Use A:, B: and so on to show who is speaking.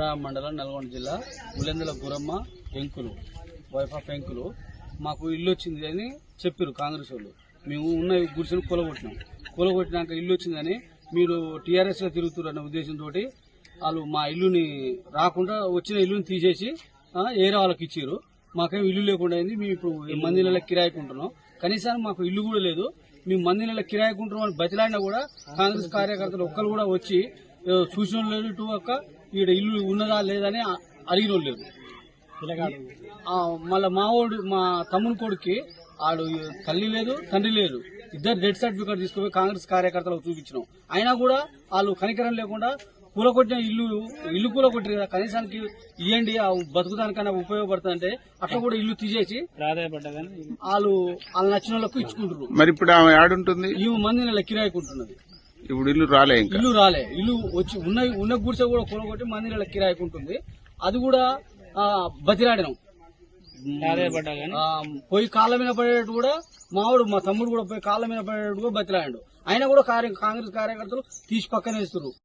A: మండలం నల్గొండ జిల్లా ఉలెందుల గురమ్మ ఎంకులు వైఫ్ ఆఫ్ ఎంకులు మాకు ఇల్లు వచ్చింది అని చెప్పారు కాంగ్రెస్ వాళ్ళు. మేము ఉన్న గుడిసెలు కూలగొట్టినాక ఇల్లు వచ్చిందని మీరు టీఆర్ఎస్ లో తిరుగుతున్న ఉద్దేశంతో వాళ్ళు మా ఇల్లుని రాకుండా వచ్చిన ఇల్లుని తీసేసి ఏరే వాళ్ళకి ఇచ్చారు. మాకేం ఇల్లు లేకుండా అయింది. మేము ఇప్పుడు మంది నెలల కిరాయికుంటున్నాం. కనీసం మాకు ఇల్లు కూడా లేదు. మేము మంది నెలల కిరాయికుంటున్నాం అని బతిలాడినా కూడా కాంగ్రెస్ కార్యకర్తలు ఒక్కరు కూడా వచ్చి చూసిన లేదు. ఇటు ఒక్క ఈడ ఇల్లు ఉన్నదా లేదని అడిగిన వాళ్ళు లేదు. మళ్ళా మా తమ్ముని కొడుక్కి ఆడు తల్లి లేదు తండ్రి లేదు. ఇద్దరు డెత్ సర్టిఫికేట్ తీసుకుపోయి కాంగ్రెస్ కార్యకర్తలకు చూపించినాం. అయినా కూడా వాళ్ళు కనికరం లేకుండా కూలగొట్టిన ఇల్లు కూలగొట్టారు కదా, కనీసానికి ఇవ్వండి బతుకుదానికన్నా ఉపయోగపడుతుందంటే అట్లా కూడా ఇల్లు తీసేసి వాళ్ళు నచ్చిన వాళ్ళకు ఇచ్చుకుంటారు.
B: మరి ఇప్పుడు ఆమె ఆడుంటుంది
A: ఈ మంది నెల కిరాయికుంటున్నది.
B: ఇప్పుడు ఇల్లు రాలే
A: ఇల్లు వచ్చి ఉన్న గుడిసె కూడా కూలగొట్టి మంది నెల కిరాయికుంటుంది. అది కూడా బతిలాడినాం. పోయి కాళ్ళ మీద పడేటట్టు కూడా మా తమ్ముడు కూడా పోయి కాళ్ళ మీద పడేటట్టు కూడా బతిలాడాడు. అయినా కూడా కాంగ్రెస్ కార్యకర్తలు తీసి పక్కన వేస్తున్నారు.